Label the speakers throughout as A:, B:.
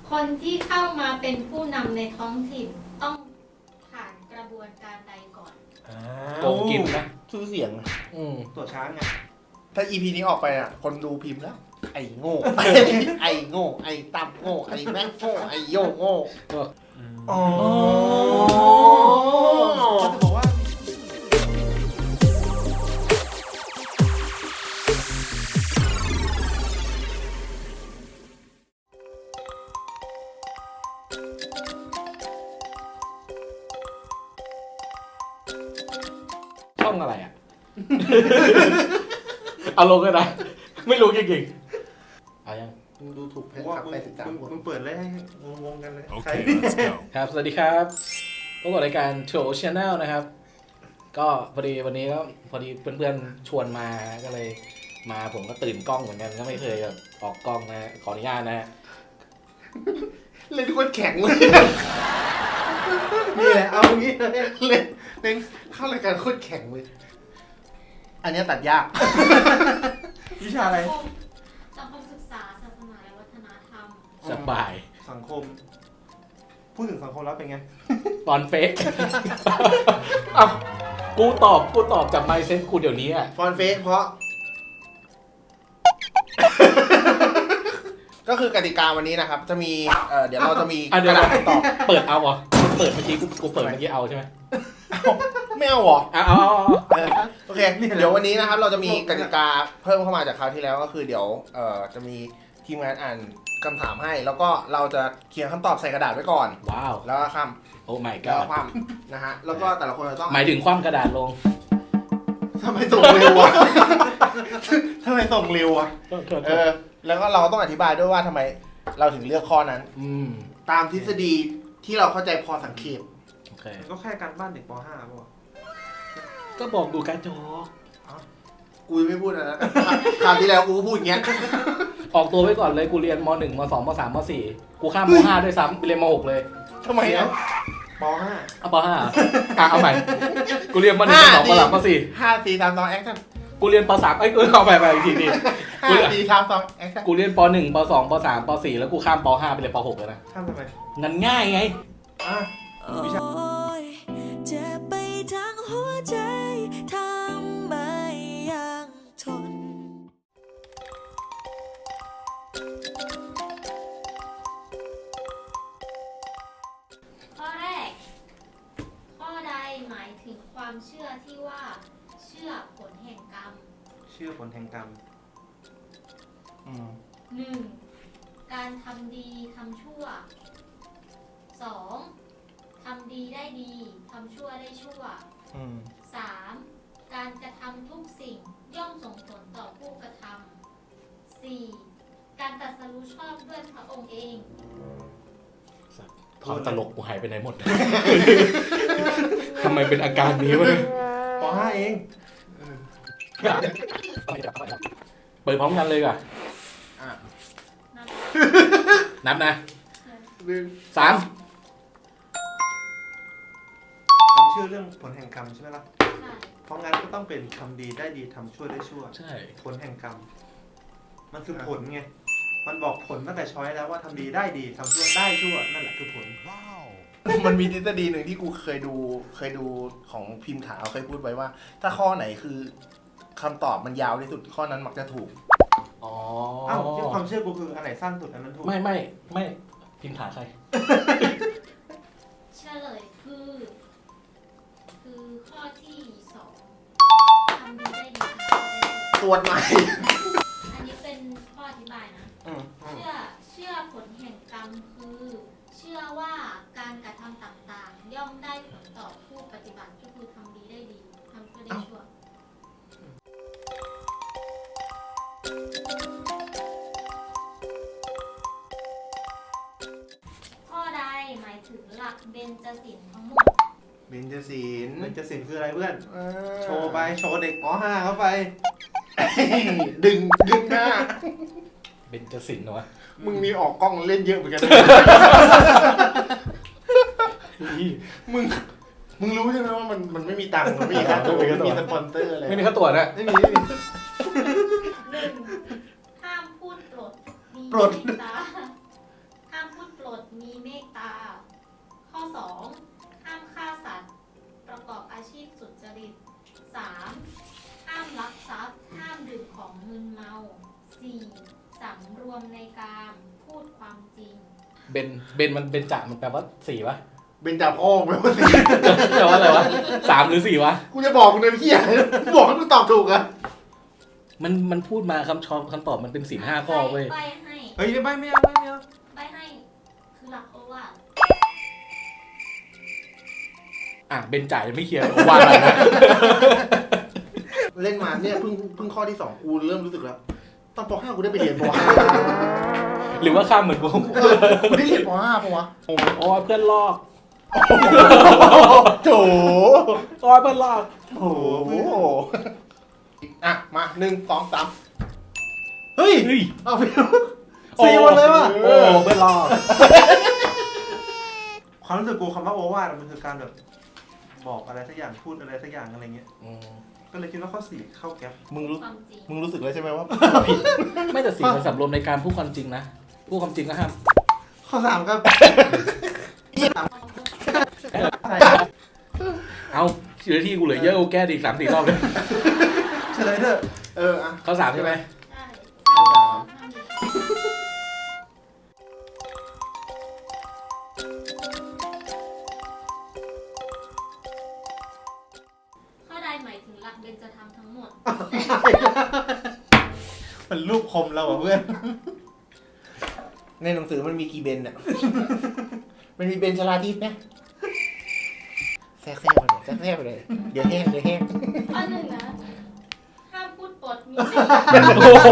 A: คนที่เข้ามาเป็นผู้นำในท้องถิ่นต้องผ่านกระบวนการใดก่อน
B: โกงกินนะ
C: ชื่อเสียง
D: ตัวช้างไง
C: ถ้า EP นี้ออกไปอ่ะ คนดูพิมพ์แล้ว ไอ้โง่ ไอ้โง่ ไอ้ตั้มโง่ ไอ้แม่งโง่ ไอ้โยงโง่
D: อ๋อเขาจะบอกว่า
B: ช่องอะไรอ่ะ เอาลงกันนะไม่รู้จริงๆเอายัง
C: มึงดูถูกแพ
D: ผม
C: น
D: ว่า
C: คลับไป13 คน
D: มึงเปิดเลยให้งงๆกันเลยใคร
E: Okay, let's go.
B: ครับสวัสดีครับพบกับรายการโชว์ชาแนลนะครับ ก็พอดีวันนี้ก็พอดีเพื่อนๆชวนมาก็เลยมาผมก็ตื่นกล้องเหมือนกันก็ไม่เคยแบบออกกล้องนะขออนุญาตนะ
C: เล่นคนแข็งเลย
D: นี่แหละเอางี้เลย
C: เล่นเข้ารายการโคตรแข็งเลย อันเนี้ยตัดยาก
D: วิชาอะไร
A: สังคมศึกษาศาสนาและวัฒนธรรม
B: สบาย
D: สังคม พูดถึงสังคมแล้วเป็นไง
B: ตอนเฟก เอ้ากูตอบจากไมเซ็ตกูเดี๋ยวนี้อ่ะ
C: ฟอนเฟสเพราะ ก็คือกติกาวันนี้นะครับ จะมี เดี๋ยวเราจะมี
B: อ่ะ
C: ก
B: เดี๋ยว
C: ระดาษให้ตอบ
B: เปิดเอาเหรอมึงเปิดเมื่อกี้กูเปิดเมื่อกี้เอาใช่ไหม
C: ไม่เอาเหรอ
B: เอา
C: โอเค เดี๋ยววันนี้นะครับ เราจะมีกติกาเพิ่มเข้ามาจากคราวที่แล้วก็คือเดี๋ยวจะมีทีมงานอ่านคำถามให้ แล้วก็เราจะเขียนคำตอบใส่กระดาษไว้ก่อน
B: ว้าว
C: แล้วก็ค
B: โอ้ my
C: ำแล้วก็
B: god
C: คว่ำนะฮะ แล้วก็แต่ละคนจะต้อง
B: หมายถึงคว่ำกระดาษลง
C: ทำไมส่งเร็ววะ ทำไมส่งเร็ววะ แล้วก็เราก็ต้องอธิบายด้วยว่าทำไมเราถึงเลือกข้อนั้น ตามทฤษฎีที่เราเข้าใจพอสังเกต
B: โอเค
D: ก็แค่การบ้านเด็กป .5 ป่ะ
B: ก็บอกดูการจอ
C: กูยังไม่พูดนะ คราวที่แล้วกูก็พูดอย่างเงี้ย
B: ออกตัวไว้ก่อนเลยกูเรียนม .1 ม .2 ม .3 ม .4 กูข้ามม .5 ด้วยซ้ำไปเรียนม .6 เลย
C: ทำไมอ่ะ
D: ป .5
B: เอาป .5 เอาใหม่กูเรียนม .1 ม .2 ม .3 ม .4
C: 5 4 3 2แอคชั่น
B: กูเรียนป .3 เอาไปอีกทีนี่
C: 5 4 3 2แอคชั่น
B: กูเรียนป .1 ป .2 ป .3 ป .4 แล้วกูข้ามป .5 ไปเรียนป .6 เลยนะ
D: ข้ามทำไม
B: งั้นง่ายไง
D: อ่ะวิชา
F: เจ็บไปทั้งหัวใจทำไมยังทน
A: ข้อแรก ข้อใดหมายถึงความเชื่อที่ว่าเชื่อผลแห่งกรรม
D: เชื่อผลแห่งกรรม
A: 1. การทำดีทำชั่ว 2. ทำดีได้ดีทำชั่วได้ชั่ว 3. การกระทำทุกสิ่งย่อมส่งผลต่อผู้กระทำ 4. การตรัสรู้ชอบด้วยพระองค์เอง
B: ความตลกกูหายไปไหนหมด ทำไมเป็นอาการนี้วะเนี่ย
D: ป .5 เอง
B: เปิดพร้อมกันเลยก่ะ
A: นับ
B: นับนะ 3
D: ความเชื่อเรื่องผลแห่งกรรมใช่ไหมล่ะ
A: ใช่
D: เพราะงั้นก็ต้องเป็นทำดีได้ดีทำชั่วได้ชั่ว
B: ใช่
D: ผลแห่งกรรม มันคือผลไง มันบอกผลตั้งแต่ช้อยแล้วว่าทำดีได้ดีทำชั่วได้ชั่วนั่นแหละคือผล
C: มันมีทฤษฎีหนึ่งที่กูเคยดูของพิมพ์ถาเคยพูดไว้ว่า ถ้าข้อไหนคือคำตอบมันยาวที่สุดข้อนั้นมักจะถูก
B: อ๋อ
D: อ้าวที่ความเชื่อกูคืออันไหนสั้นสุดอันนั้นถูก
B: ไม่พิมพ์ถาใคร
A: เฉลยคือ ข้อที่ 2ทำดีได้ดีทำชั่วได้ชั่ว
C: ตรวจใหม่
A: อันนี้เป็นข้ออธิบายนะ เชื่อผลแห่งกรรมคือ เชื่อว่าการกระทำต่างๆ ย่อมได้ผลต่อผู้ปฏิบัติก็คือทำดีได้ดีทำชั่วได้ชั่ว ข้อใดหมายถึงหลักเบญจศีลทั้งหมด
C: เบญจศีล
D: มันจะสิ่งคืออะไรเพื่อน
C: เออ
D: โชว์ไป โชว์เด็กป .5 เข้าไป
C: ดึงหน้า
B: เบญจศิลป์เหรอวะ
C: มึงมีออกกล้องเล่นเยอะเหมือนกันนะ มึงรู้ใช่ไหมว่ามันไม่มีตังค์มันไม่มีค่าตัวไม่มีสปอนเซอร์อะไร
B: ไม่มีค่าตัวนะ
D: ไม่มี
A: 1. ห้ามพูดปลดมี
C: ปลด
A: ตาห้ามพูดปลดมีเมตตา ข้อ 2 ห้ามฆ่าสัตว์ ประกอบอาชีพสุจริต 3. ห้ามลักทรัพย์ ห้ามดื่มของมึนเมา 4. สำรวมในการพูดความจริง
B: เบนมันเบนจ่ามันแปลว่า4ปะ
C: เป็นจ่าพ่อไหมว่าสิ
B: แปลว่าอะไรวะ3หรือ4วะ
C: กูจะบอกมึงเลยพี่บอกให้มึงตอบถูกอะ
B: มันพูดมาคำตอบมันเป็นศีล5ข้อเว้ย
A: ใบให้
D: เฮ้ยไม่เอา
A: ใบให้ คือหลักโอวาท
B: อ่ะเบนจ่ายังไม่เคลียร์โอวาทอะไรนะ
C: เล่นมาเนี่ยเพิ่งข้อที่ 2กูเริ่มรู้สึกแล้วตอนป .5 กูได้ไปเรียนป
B: หรือว่าข้ามเหมือนกู
C: .5 กูได้เรียนป .5 ปะวะ
B: โอ้ยเพื่อนลอก
C: โถ
B: โอ้ยเพื่อนลอก
C: โอ้โหอ่ะมา1 2 3เฮ้ย
B: เฮ้ย
C: เอาไปสี่หมดเลยว่ะ
B: โอ้เพื่อนลอก
D: ความรู้สึกกูคำว่าโอวาทมันคือการแบบบอกอะไรสักอย่างพูดอะไรสักอย่างอะไรเงี้ยก็เลยคิดว่าข้อ 4เข้าแก๊ป
C: มึงรู้
A: ความจริง
C: มึงรู้สึกแล้วใช่ไหมว่า
B: ไม่แต่ศีลมันสำรวมในการพูดความจริงนะพูดความจริงก็ห้าม
C: ข้อ3ครับ
B: เอาชีวิตที่กูเหลือเยอะกูแก้ดีก3-4 รอบเลย
D: เฉลยเถอะ
C: อ่ะ
B: ข้อ3ใช่ไหม
A: ใช่ห้ามดื่มข้อใดหมายถึงหลักเบญจธรรมทั้งหมด
D: มันรูปคมเราอ่ะเพื่อน
C: ในหนังสือมันมีกี่เบนเนี่ย มันมีเบนชลาทิพย์ไหมแทรกไปเลยแทรกไปเลย เดี๋ยวแห้ง
A: ข้อ 1 นะ ห้ามพูดปดมี
B: โอ้โห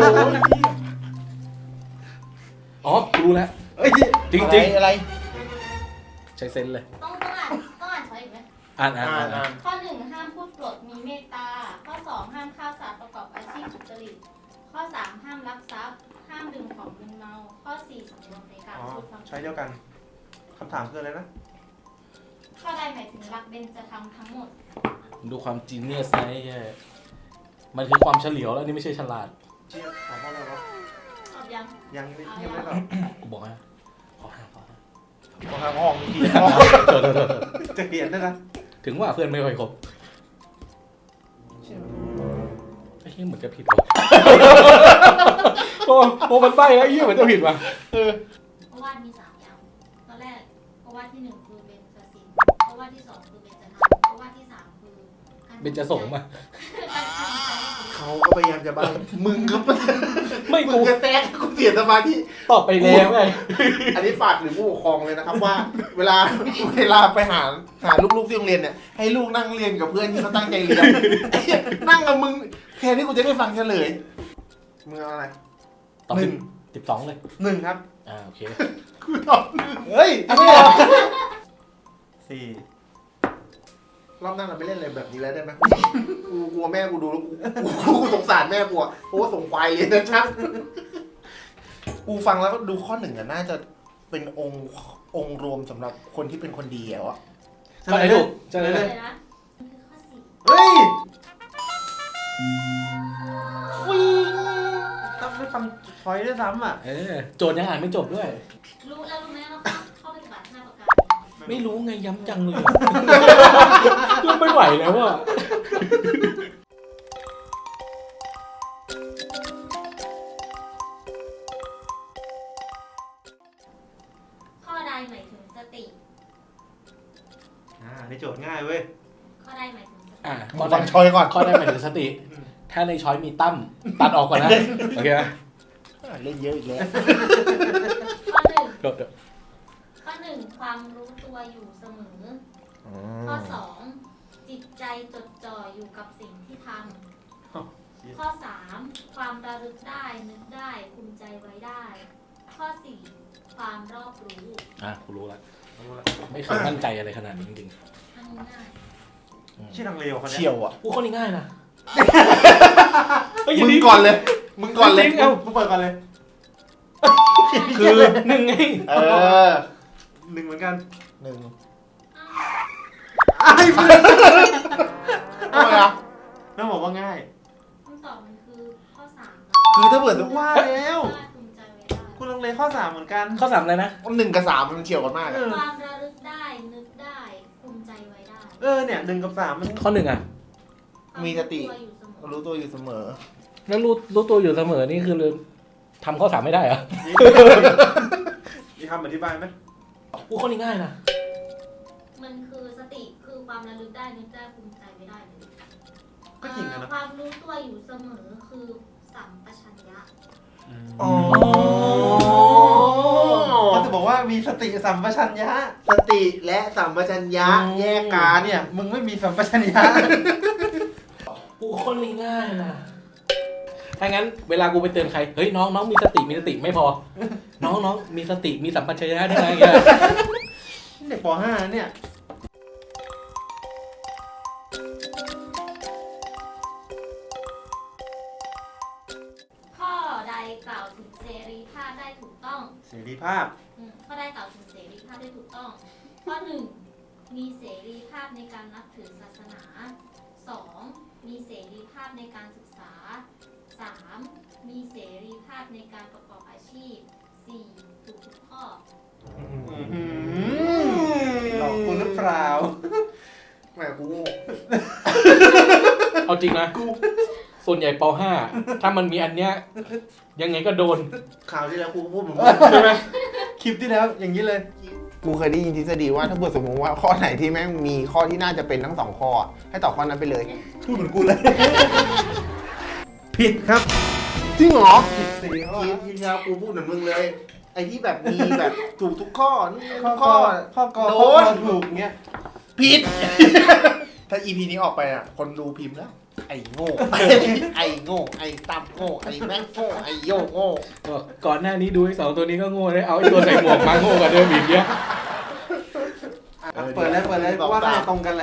B: อ๋อกูรู้แล้ว
C: เอ้ย
B: จริงๆ
C: อะไร
B: ใช้เซนส์เลย
A: ต้องอ่านช้อยอีกไหม
B: อ่าน
A: ข้อ 1 ห้ามพูดปดมีเมตตา ข้อ 2 ห้ามฆ่าสัตว์ประกอบอาชีพสุจริต ข้อ 3 ห้ามลักทรัพย์ ห้ามดื่มของมึนเมา ข้อ 4 สำรวมในการ
D: อ๋อ
A: พูดความจ
D: ใช้
A: ริง
D: เดียวกันคำถามคืออะไรนะ
A: ข้อใดหมายถึงหลักเบญจธรรมทั้งหมด
B: ดูความจีเนียสนะไอ้เหี้ยมันคือความเฉลียวแล้วนี่ไม่ใช่ฉลาด
D: เชี่ยถามว่าอะไรวะ
A: ตอบยัง
D: ยังไม่ตอบ
B: กูบอกนะขอห้า
C: ขอทางห้องมีกี่ห้อง
B: โทษ
D: จะเขียนได้นะ
B: ถึงว่าเพื่อนไม่ค่อยครบ
D: เชี่ย
B: ไอ้เหี้ยเหมือนจะผิดว่ะโอ้มันใบ้แล้วไอ้เหี้ยเหมือนจะผิดว่ะ
A: เพราะว่ามี3อย่าง ตอนแรกเพราะว่าที่ 1 คือเบญจศีลเพราะว่าที่ 2 คือเบญจธรรมเพราะว่าที่ 3 คือการ
B: เป็นจะส่งมา
A: การทำใจให้ดี
C: เขาก็พยายามจะบ้ามึงก็
B: ไม่
C: มึ
B: กู
C: งก็แทรกกูเสียสมาธิ
B: ตอบไปแล้วไง
C: อันนี้ฝากถึงผู้ปกครองเลยนะครับว่า เวลาไปหาลูกๆที่โรงเรียนเนี่ยให้ลูกนั่งเรียนกับเพื่อนที่เขาตั้งใจเรียนไอ้เหี้ยนั่งกับมึงแทนที่กูจะได้ฟังเฉลยมึงเอาอะไร
B: ตอบ
C: หนึ่ง
B: 12เลย
C: 1ครับ
B: โอเค
C: กูตอบ1เฮ้ยไม่เอา
D: 4
C: รอบหน้าเราไม่เล่นอะไรแบบนี้แล้วได้ไหมกูกลัวแม่กูดูแล้วกูสงสารแม่กูอะเพราะว่าส่งควายเรียนนะชักกูฟังแล้วก็ดูข้อ 1อะน่าจะเป็นองค์รวมสำหรับคนที่เป็นคนดีแล้วอะ
B: ก็ไอ้ถูกใช่ไหม
A: เลยนะคือข้อ 4
D: เฮ้ยต้องไม่ฟังพอยด้วยซ้ำอ่ะ
B: โจทย์ยังอ่านไม่จบด้วย
A: รู้ไหมว่าข้อปฏิบัติ5ประการ
B: ไม่รู้ไงย้ำจังเลยก็ไม่ไหวแล้วอ่ะ
A: ข้อใดหมายถึงสติ
D: ในโจทย์ง่ายเว้ย
A: ข้อใดหมายถึงสติ
B: ข้อ
C: ฟังชอยก่อน
B: ข้อได้หมายถึงสติ ถ้าในช้อยมีตั้มตัดออกก่อนนะ โอเคไหม
C: เล่นเยอะอีกแล้ว
A: ข้อ 1
B: จบ
A: ข้อ 1 ความรู้ตัวอยู่เสมอ ข้อ 2 จิตใจจดจ่ออยู่กับสิ่งที่ทำ ข้อ 3 ความระลึกได้นึกได้ภูมิใจไว้ได้ ข้อ 4 ความรอบรู้
B: กูรู้แล้วไม่เคยมั่นใจอะไรขนาดนี้จริง
A: อันนี้ง่าย
D: ชื่อทางเลวคนเนี้
C: เชี่ยวอ่ะ
B: ๆข้อนี้ง่ายนะ
C: มึงก่อนเลย มึงก่อนเลย
B: จริงๆเอา
D: กูเปิดก่อนเลย
B: คือหนึ่งไง
C: เออ
D: 1เหมือนกัน
C: 1
A: อ้าว
D: ไอ้เพื่อน
C: ทำไมอ่ะ
D: ต้องบอกว่าง่าย
A: คำตอบมันคือข้อ 3
C: คือถ้าเปิด
D: ว่าแล้ว
A: ว่าภูมิใจไว้ได้
D: กูลังเลข้อ 3เหมือนกัน
B: ข้อ 3อะไรนะ
C: 1 กับ 3มันเฉียวกันมาก
D: เอ
C: อะ
D: อ
A: ความระลึกได้นึกได้ภูมิใจไว้ได้
D: เนี่ย1 กับ 3มัน
B: ข้อ 1อ่ะ
C: มีสติ
A: ความรู้ตัวอยู่เสมอ
C: รู้ตัวอยู่เสมอ
B: แล้วรู้ตัวอยู่เสมอนี่คือทำข้อ 3ไม่ได้เหรอ
D: มีคำอธิบายไหม
B: อู้ข้อนี้ง่ายนะ
A: มันคือสติคือความระลึกได้นึกได้ภูมิใจไว้ได้เลย
D: ก็จริงนะ
A: ความรู้ตัวอยู่เสมอคือสัมปชัญญะ
C: อ๋อ
D: เขาจะบอกว่ามีสติสัมปชัญญะ
C: สติและสัมปชัญญะแยกกัน
D: เนี่ยมึงไม่มีสัมปชัญญะ
B: อู้ข้อนี้ง่ายนะถ้างั้นเวลากูไปเตือนใคร เฮ้ยน้องมีสติไม่พอ น้องมีสติมีสัมปชัญญะได้ไงเงี้ย
D: เด็กป .5 เนี่ย
A: ข้อใดกล่าวถึงเสรีภาพได้ถูกต้อง
D: เสรีภาพ
A: ข้อใดกล่าวถึงเสรีภาพได้ถูกต้อง ข้อ 1 มีเสรีภาพในการนับถือศาสนา 2. มีเสรีภาพในการศึกษา 3. มีเสรีภาพในการประกอบอาชีพ 4. ถูกทุกข้อ
D: หลอกกูหรือเปล่า
C: แหมกูโง่
B: เอาจริงนะส่วนใหญ่ป .5 ถ้ามันมีอันเนี้ยยังไงก็โดน
C: ข่าวที่แล้วกูก็พูดเหมือน
B: ใช่ไหม
D: คลิปที่แล้วอย่างนี้เลย
C: กูเคยได้ยินทฤษฎีว่าถ้าเกิดสมมติว่าข้อไหนที่แม่งมีข้อที่น่าจะเป็นทั้ง 2 ข้อ ให้ตอบข้อนั้นไปเลย
D: พูดเหมือนกูเลย ผิดครับ
C: จริงเหรอ
D: ผิดสี่ข้อ
C: ทีแล้วกูพูดเหมือนมึงเลย ไอ้ที่แบบมีแบบถูกทุกข้อนี่
D: ข้อ
C: ข้อ
D: ข้อกอ
C: โด
D: ข้อน ถูกเงี้ย
C: ผิด ถ้า EP นี้ออกไปอ่ะ คนดูพิมพ์แล้ว ไอ้โง่ ไอ้โง่ ไอ้ตั้มโง่ ไอ้แม่งโง่ ไอ้โยโง่
B: ก่อนหน้านี้ดูไอ้2ตัวนี้ก็โง่เลยเอาไอ้ตัวใส่หมวกมาโง่กว่าเดิมอีกเยอะ
D: เปิดเลยว่าน่าจะตรงกันแหละ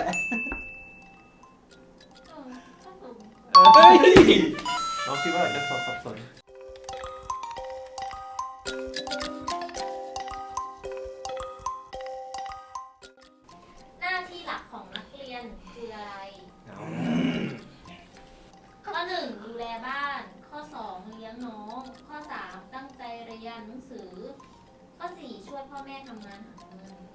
A: ก็ถูก
B: เฮ้ย
D: น้องคิดว่าจะสับสน
A: หน้าที่หลักของนักเรียนคืออะไร ข้อ 1 ดูแลบ้าน ข้อ 2 เลี้ยงน้อง ข้อ 3 ตั้งใจเรียนหนังสือ ข้อ 4 ช่วยพ่อแม่ทำงานหาเงิน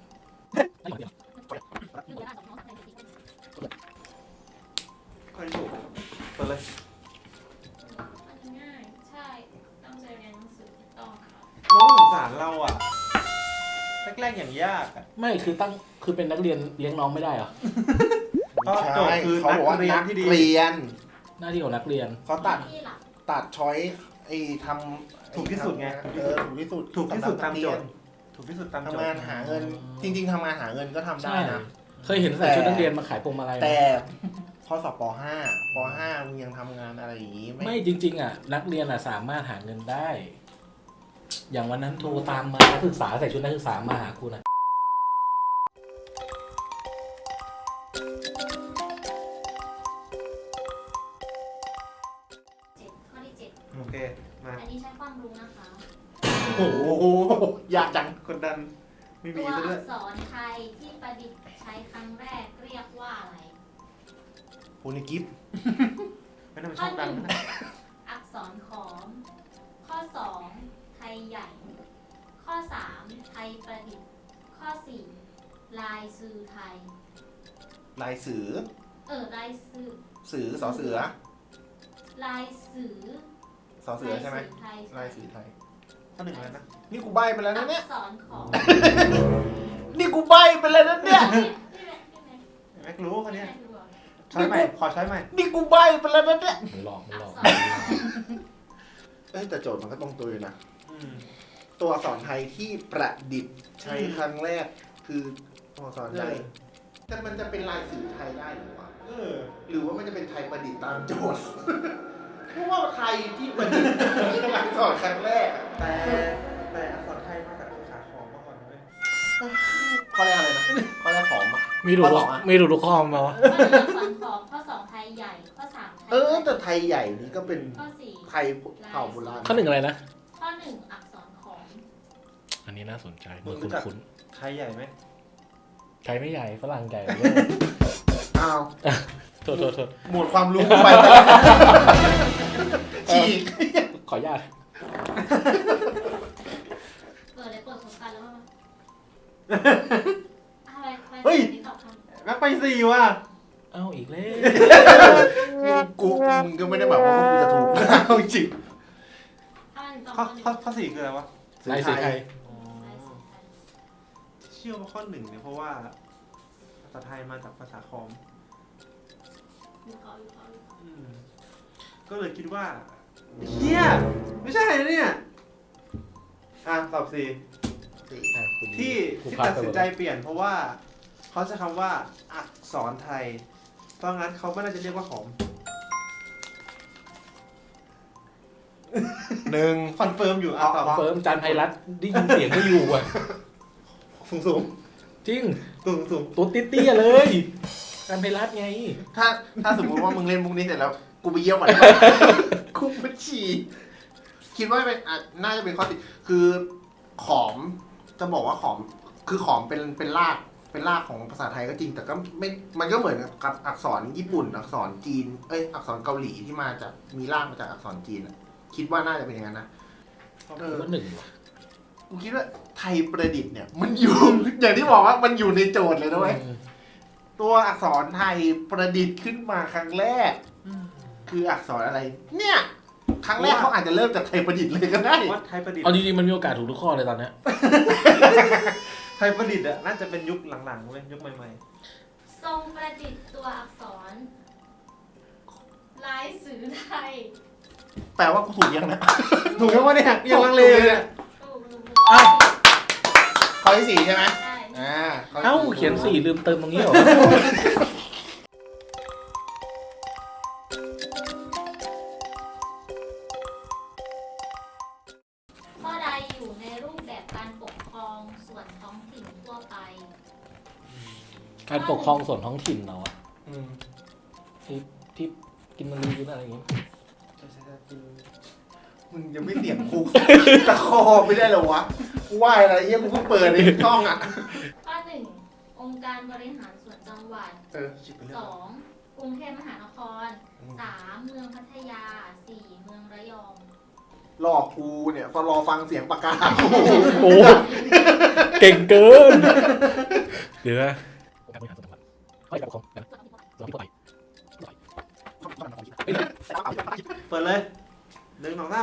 D: ค่อยถูกเปิดเลย
A: อันนี้ง่าย ใช่ ตั้งใจเรียนหนังสือถูกต้องค่ะ
D: น้องสงสารเราอ่ะแรกๆอย่างยากอ่ะ
B: ไม่คือเป็นนักเรียนเลี้ยงน้องไม่ได้เหรอ
D: ก็โจทย์คือ
C: เขาบอกว่า
D: นั
C: นั
D: ก
C: ก
D: เรียนที่ดี
C: เรียน
B: หน้าที่ของนักเรียน
C: เขา
A: ห
C: ตั
A: น้า
C: ด
A: ที่หลัก
C: ตัดช้อยไอ้ทำ
D: ถูกที่สุดไง
C: ถูกที่สุด
D: ถูกที่สุดตามโจทย์
C: สำหรับนักเรียน
D: ถูกที่สุดตามโจท
C: ทำงาน
D: ย์
C: หาเงิน จริง ๆทำงานหาเงินก็ทำได้นะ
B: เคยเห็นใส่ชุดนักเรียนมาขายพวงมาลัยไหม
C: แต่ข้อสอบป .5 ป .5 มึงยังทำงานอะไรอย่างนี้
B: ไม่จริงๆอ่ะนักเรียนอ่ะสามารถหาเงินได้ อย่างวันนั้นโทรตามมานักศึกษาใส่ชุดนักศึกษามาหากูนะ
A: ข้อที่
D: โอเค มา
A: 7 อันนี้ใช้ความรู้นะคะ
C: โอ้โหอยากจัง
D: กดดัน ไม่
A: ตั
D: มี
A: ว
D: ซะด้ว
A: อั
D: ย
A: กษรไทยที่ประดิษฐ์ใช้ครั้งแรกเรียกว่าอะไร
C: โพนิกิฟ
D: ไม่น่ามัน
A: ข้
D: ช
A: อ
D: อบดัง
A: 1
D: นะ
A: อักษรขอม ข้อ 2 ไทยใหญ่ ข้อ 3 ไทยประดิษฐ์ ข้อ 4 ลายสื่อไทย
C: ลายสือ
A: ลายสื่อ
C: สือสอเสือ
A: ลายสื่อ
C: สอเสือใช่ไหม
A: ไทย
C: ลายสือไทย
D: ข้อหนึ่งแล้วนะ
C: นี่กูใบไปแล้ว
A: อั
C: นะเนี่ย
A: กษรขอม
C: นี่กูใบไปแล้วนะเนี่ย
D: แม็กรู้คนเนี้ย
A: พี่แม็ก
D: ช้อยใหม่ ขอช้อยใหม่
C: นี่กูใบไปแล้วนะเนี่ย
B: มันหลอก
A: อักษรขอม
C: เอ้ยแต่โจทย์มันก็ตรงตัวอยู่นะ
D: อืม
C: ตัวอักษรไทยที่ประดิษฐ์ใช้ครั้งแรกคือตัวอักษรไทยแต่มันจะเป็นลายสื่อไทยได้หรือวะ
D: เออ
C: หรือว่ามันจะเป็นไทยประดิษฐ์ตามโจทย์ เพราะว่าไทยที่ประดิษฐ์คืออักษรครั้งแรกอะ
D: แต่อักษรไทยมาจากภาษาขอมมาก่อนเลย
C: ข้อแรกอะไรนะข้อแรกของมา
B: มีดู
C: ข้อสองอะ
B: มีดูข้อมาวะ
A: ข้อ 1 อักษรขอม ข้อ 2 ไทยใหญ่ ข้อ 3 ไทย
C: แต่ไทยใหญ่นี่ก็เป็น
A: ข้อ
C: ไทยเผ่าโบราณ
B: ข้อหนึ่งอะไรนะ
A: 4 ข้อ 1 อักษรขอม
B: อันนี้น่าสนใจเหมือนคุ้น
D: ไทยใหญ่ไหม
B: ๆไทยไม่ใหญ่ฝรั่งใหญ่
C: อ้าว
B: โทษ
C: หมดความรู้กูไปฉีก
B: ขออนุญาต
A: แล้วมั้งอะไรไป
D: เฮ้ย
A: นี่ตอบคำ
D: แม็กไปสี่ว่ะ
B: เอ้าอีกแล้ว
C: มึงก็ไม่ได้หมายความว่ากูจะถูกนะเอาจริง
A: อะไรถึงตอบ
D: ข้อ
A: ข้อหนึ่ง
D: ข้อสี่คืออะไรวะ
B: ลายสีไทย
D: อ๋อเชื่อว่าข้อหนึ่งเนี่ยเพราะว่าภาษาไทยมาจากภาษาคอม
A: อยู่เขา
D: อืมก็เลยคิดว่าเฮียไม่ใช่นะเนี่ยตอบสี่ที่
B: ครู
D: ที่
B: พา
D: ตัด
B: ไป
D: สินใจเปลี่ยนเพราะว่าเขาใช้คำว่าอักษรไทย เพราะงั้นเขาไม่น่าจะเรียกว่าขอม
C: หนึ่ง
D: คอนเฟิร์มอยู่ตอบ
B: เฟิร์มจันไพรัตน์ได้ยินเสียงก็อยู่อ่ะ
D: สูงสูง
B: จริง
D: สูงสูง
B: ตัวเตี้ยๆเลยจันไพรัตน์ไง
C: ถ้าสมมติว่ามึงเล่นมุกนี้เสร็จแล้วกูไปเยี่ยวมันกูไปฉี่คิดว่าเป็นน่าจะเป็นข้อติคือขอมจะบอกว่าขอมคือขอมเป็นรากของภาษาไทยก็จริงแต่ก็ไม่มันก็เหมือนกับอักษรญี่ปุ่น อักษรจีนอักษรเกาหลีที่มาจากมีรากมาจากอักษรจีนอะคิดว่าน่าจะเป็นอย่างนั้นนะ
B: ว่าหนึ่งว่ะ
C: กูคิดว่าไทยประดิษฐ์เนี่ยมันอยู่ อย่างที่บอกว่ามันอยู่ในโจทย์เลยนะเว้ยตัวอักษรไทยประดิษฐ์ขึ้นมาครั้งแรก คืออักษรอะไร เนี่ย ครั้งแรกเขาอาจจะเริ่มจากไทยประดิษฐ์เลยก็ได้
D: ว่าไทยประดิษฐ์
B: เอาจริงๆมันมีโอกาสถูกทุกข้อเลยตอนเนี้ย
D: ไทยประดิษฐ์อะน่าจะเป็นยุคหลังๆเว้ยยุคใหม่
A: ทรงประดิษฐ์ตัวอักษรลายสื่อไทย
C: แปลว่ากูถูกยังนะ
D: ๆถูกแล้ววะเนี่ยยังลังเลเลยเนี่ย
A: ถูก
B: อ้าว
C: ข้อที่สี่ใช่ไหม
A: ใช่
C: ข้ที่
B: เอ้า
C: สี่
B: เขียนสี่ลืมเติมตรงนี้เหรอ
A: ข้อใดอยู่ในรูปแบบการปกครองส่วนท้องถิ่นทั่วไป
B: การปกครองส่วนท้องถิ่นเราอะ
C: อืม
B: ที่กินมันลืมอะไรอย่างเงี้ย
C: มึงยังไม่เสียงคุก ตะคอไม่ได้เหรอวะกูว่าอะไรเยี่ยกูเพิ่งเปิดในช่องอ่ะ
A: ข้อหนึ่งองค์การบริหารส่วนจังหวัด
C: ชิบไปเรื่
A: ส
C: อย
A: องกรุงเทพมหานครสามเมืองพัทยาสี่เมืองระยอง
C: หลอกกูเนี่ยพอรอฟังเสียงปากกา
B: โอ้เก่งเกิน เดี๋ยวนะการบริหารส่วนจังหวัดไม่การปกครองกันส่วนที่ทั่วไป
D: เปิดเลยหนึ่งสองสาม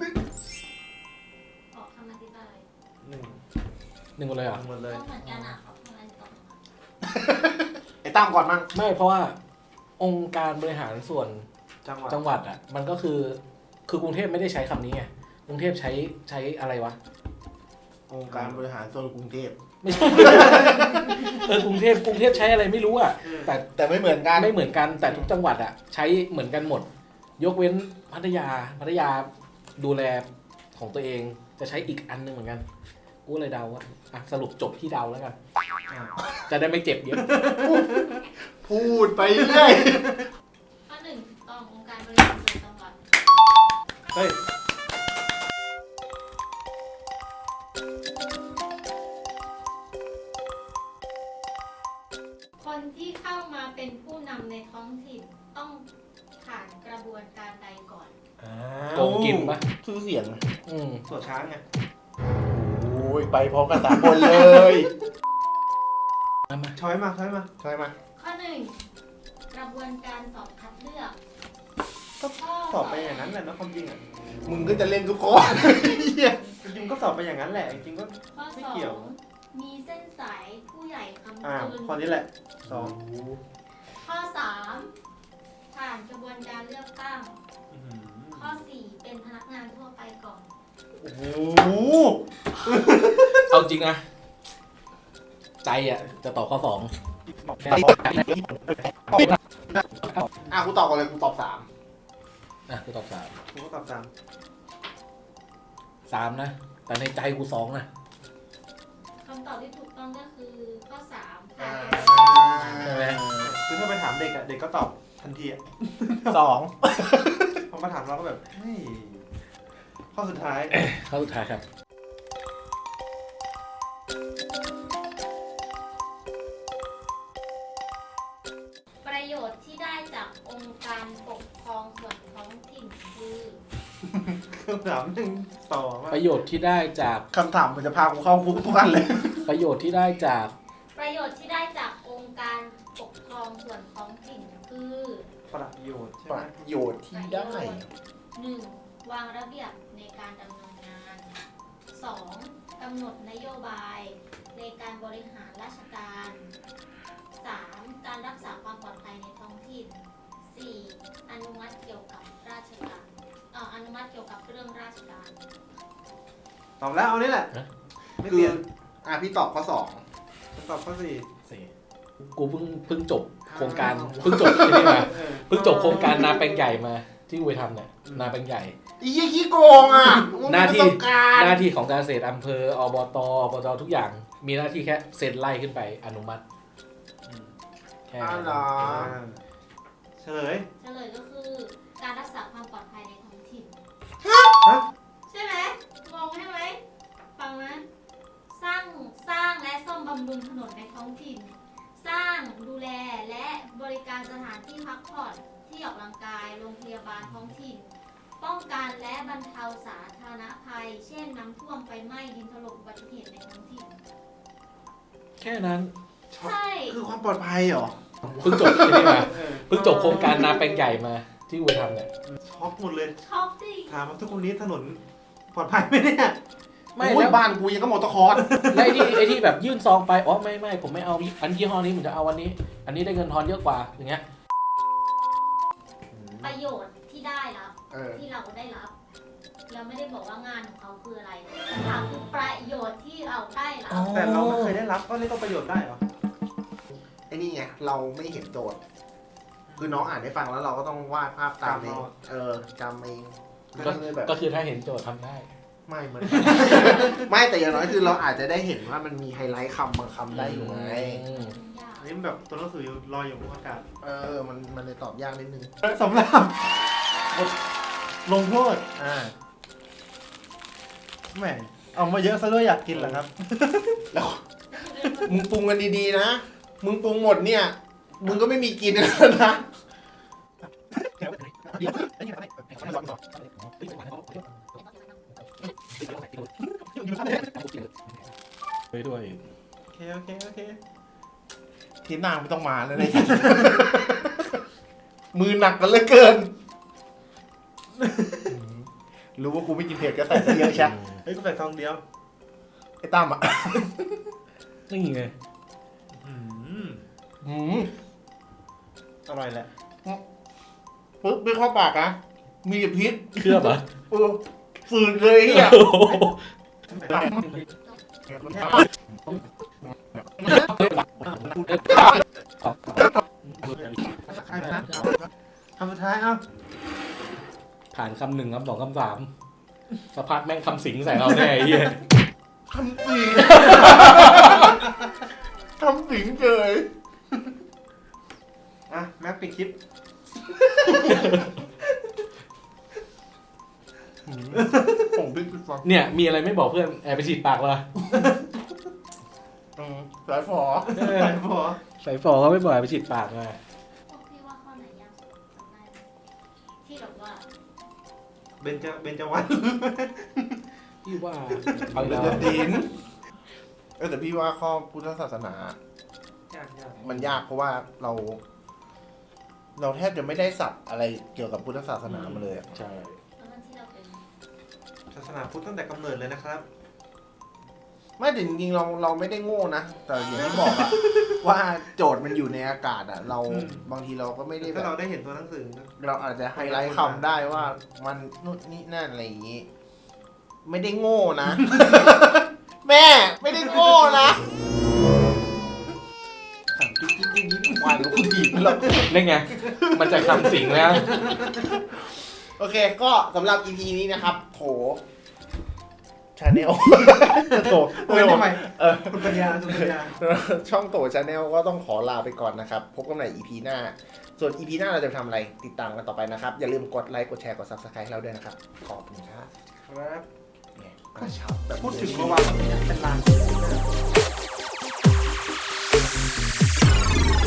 A: ออกคำอธิบาย
D: หนึ่ง
B: หนึ่งหมดเลยเหรอ่ะ
D: หมดเลย
A: ก็เหมือนกันอ่ะออกคำอธิบาย
C: ไอ้ตั้มก่อนมั่ง
B: ไม่เพราะว่าองค์การบริหารส่วน
D: จังหวัด
B: จังหวัดอ่ะมันก็คือกรุงเทพไม่ได้ใช้คำนี้ไงกรุงเทพใช้อะไรวะ
C: องค์การบริหารส่วนกรุงเทพ
B: ไม่ใช่ กรุงเทพใช้อะไรไม่รู้อ่ะ
C: แต่ไม่เหมือนกัน
B: ไม่เหมือนกันแต่ทุกจังหวัดอ่ะใช้เหมือนกันหมด ยกเว้นพัทยาดูแลของตัวเองจะใช้อีกอันหนึงเหมือนกันกูเลยเดาว่าอ่ะสรุปจบที่เดาแล้วกัน จะได้ไม่เจ็บเยอะ
C: พูดไปเรื่อย
A: ข้อหนึ่งถูกต้ององค์การบริหารส่วนจังหวัด
D: เฮ้ย
A: คนที่เข้ามาเป็นผู้นำในท้องถิ่นต้องผ่านกระบวนการใดก่อน
B: โกงกินปะ
C: ชื่อเสียง
B: อืม
D: ตัวช้างไง
C: โอ้ยไปพร้อมกันสามคนเลย
D: ช้อยมาช้อยมา
C: ใช่ไหม
A: ข้อหนึ่งกระบวนการสอบคัดเลือก
D: ก็สอบไปอย่างนั้นแหละนะความจริงอ่ะ
C: มึงก็จะเล่นทุกคนเหี้ย
D: จริงๆก็สอบไปอย่างนั้นแหละจริงๆก็
A: ข้อ
D: ไม่
A: สอ
D: เกี่ยว
A: งมีเส้นสายผู้ใหญ่คำ
D: อ่า
A: จุน
D: ข้อนี้แหละสอง
A: ข้อสามผ่านกระบวนการเลือกตั้ง
D: อื้อหือ
A: ข้อสี่เป็นพนักงานทั่วไปก่อน
D: โอ้โห
B: เอาจริงนะใจอ่ะจะตอบข้อสอง
C: กูตอบก่อนเลยกูตอบสาม
B: อ่ะกูตอบสาม
D: ผมก็ตอบตาม
B: 3นะแต่ในใจกู2นะ
A: คำตอบที่ถูกต้องก็คือข้อสาม
B: ใช่ไหม
D: คือถ้าไปถามเด็กอ่ะเด็กก็ตอบทันทีอ่ะ
C: สอง
D: พอมาถามเราก็แบบเฮ้ยข้อสุดท้าย
B: ข้อสุดท้ายครับ
A: ประโยชน์ที่ได้จากองค์การปกครองส่วนท้องถิ่นคือ
D: คำถามยังต่อมา
B: ประโยชน์ที่ได้จาก
C: คำถามมันจะพากูเข้าคุกทุกวันเลย
B: ประโยชน์ที่ได้จาก
A: ประโยชน์ที่ได้จากองค์การปกครองส่วนท้องถิ่นคือ
D: ประโยชน์ใช่
C: ป
D: ไหม
C: ระโยชน์ที่ได้
A: 1. วางระเบียบในการดำเนินงาน 2. กำหนดนโยบายในการบริหารราชการ 3. การรักษาความปลอดภัยในท้องถิ่น 4. อนุมัติเกี่ยวกับราชการอนุมัติเกี่ยวกับเรื่องราชการ
D: ตอบแล้วเอานี่แหละ ไม่
C: คื
D: เปลี่
C: อย
D: น
C: พี่ตอบข้อ
D: ฉันตอบข้อสี่
B: กูเพิ่งจบโครงการเพิ่งจบที่นี่มาเพิ่งจบโครงการนาแปลงใหญ่มาที่กูไปทำเนี่ยนาแปลงใหญ่
C: 2อีขี้โกงอ่ะมึง
B: หน้าที่
C: มีประสบการณ์
B: หน้าที่ของการเกษตรอำเภออบตทุกอย่าง มีหน้าที่แค่เซ็นไล่ขึ้นไปอนุมัติแค่
C: อ้าว
B: นั้น
C: เหรอ
D: เฉลย
A: เฉลยก็คือการรักษาความปลอดภัยในท้องถิ่น
D: ฮะ
A: ใช่ไหมงงใช่ไหมฟังนะสร้างและซ่อมบำรุงถนนในท้องถิ่น สร้างดูแลและบริการสถานที่พักผ่อนที่ออกกำลังกายโรงพยาบาลท้องถิ่น ป้องกันและบรรเทาสาธารณภัย เช่นน้ำท่วมไฟไหม้ดินถล่มอุบัติเหตุในท้องถิ่น
B: แค่นั้น
A: ใช่
C: คือความปลอดภัยเหรอ
B: เพิ่งจบที่นี่มาเพิ่งจบโครงการนาแปลงใหญ่มาที่กูไปทำเนี่ย
D: ช็อกหมดเลย
A: ช็อกสิ
D: ถามว่าทุกคนนี้ถนนปลอดภัยไหมเนี่ย
B: ไม่
C: โอ้ย
B: แล้ว
C: บ้านกูยังก็มอเตอร์คอร์ส
B: แล้วไอ้ที่แบบยื่นซองไปอ๋อไม่ผมไม่เอาอันยี่ห้อนี้ผมจะเอาวันนี้ อันนี้ได้เงินทอนเยอะกว่าอย่างเงี้ย
A: ประโยชน์ที่ได้รับ
C: เออ
A: ที่เราได้รับ เราไม่ได้บอกว่างานของเขาคืออะไรคำถามคือประโยชน์ที่เราได้รับ
D: แต่เราไม่เคยได้รับก็เรียกว่าประโยชน์ได้เหรอ
C: ไอ้นี่ไงเราไม่เห็นโจทย์ คือน้องอ่านให้ฟังแล้วเราก็ต้องวาดภาพตามเองจำเอง
B: ก็
C: เลยแบบ
B: ก็คือถ้าเห็นโจทย์ทำได้
C: ไม่เหมือน ไม่แต่อย่างน้อยคือเราอาจจะได้เห็นว่ามันมีไฮไลท์คำบางคำได้อยู่ไง
A: ยาก
D: อันนี้มันแบบตัวหนังสือลอยอยู่บนอากาศ
C: มันเลยตอบยากนิดนึง
D: สำหรับบทลงโทษ แหมเอามาเยอะซะด้วยอยากกินเหรอครับ
C: แล้วมึงปรุงกันดีๆนะ มึงปรุงหมดเนี่ย มึงก็ไม่มีกินแล้วนะ
B: ไปด้วย
D: โอเค
C: ทีหน้าไม่ต้องมาแล้วเลย มือหนักกันเหลือเกิน รู้ว่ากูไม่กินเผ็ดก็ใส่ไปเยอะใช่
D: เฮ้ยกูใส่ซองเดียว
C: ไอ้ตั้มอ่ะ
B: นี่ไง
D: อร่อยแหละ
C: ปึ๊บไม่เข้าปากนะมีแต่พิษ
B: เคลือบเหรอ
C: ฝืนเลยอ่ะ
B: โอ้โห
D: คำสุดท้ายเอ้า
B: ผ่านคำหนึ่งคำสองคำสามสักพักแม่งคำสิงใส่เราแน่ไอ้เหี้ย
C: ทำสิงทำสิงเฉย
D: อ่ะแม็กปิดคลิป
C: ผมพิษไปฟัง
B: เนี่ยมีอะไรไม่บอกเพื่อนแอบไปฉีดปากวะ
C: สายฝอ
D: ใส่พอ
B: ใส่ฟอเขาไม่บอกแอบไปฉีดปากมา
A: พวกพี่ว่าข้อไหนยากสุดจำได้ไหมที่แบบว่า
D: เบญจวรรณ
B: พี่ว่าเอาอีก
C: เดื
B: แล้
C: อ
B: ว
C: ดดินแต่พี่ว่าข้อพุทธศาสนา
D: ยาก
C: มันยากเพราะว่าเราแทบจะไม่ได้ศัพท์อะไรเกี่ยวกับพุทธศาสนามาเลยอะ
B: ใช่
A: ตอนนั้นที่เราเป็น
D: ศาสนาพุทธตั้งแต่กำเนิดเลยนะครับ
C: ไม่แต่จริงๆเราไม่ได้โง่นะแต่อย่างที่บอกอะ ว่าโจทย์มันอยู่ในอากาศอะเราบางทีเราก็ไม่ได้แบ
D: ถ้า
C: บ
D: เราได้เห็นตัวหนังสือ
C: เราอาจจะไฮไลท์คำได้ว่ามันนู่นนี่นั่นอะไรอย่างนี้ ไม่ได้โง่นะ แม่ไม่ได้โง่นะถามกิ๊กกิ๊กกิ๊กกิ๊กวายแล้วคุณดีแล้ว
B: นี่ไงมันจะคำสิงแล้ว
C: โอเค ก็สำหรับ EP นี้นะครับ โถชาแนล โถ
D: ทำไมคุณปัญญา
C: ช่องโตชาแนลก็ต้องขอลาไปก่อนนะครับ พบกันใหม่ EP หน้า ส่วน EP หน้าเราจะทำอะไรติดตามกันต่อไปนะครับ อย่าลืมกดไลค์กดแชร์กด Subscribe ให้เราด้วยนะครับ ขอบคุณครับ
D: ครับ
C: เนี่ยกระชับแบบ
D: พูดถึงเมื่อวานเป็นลาน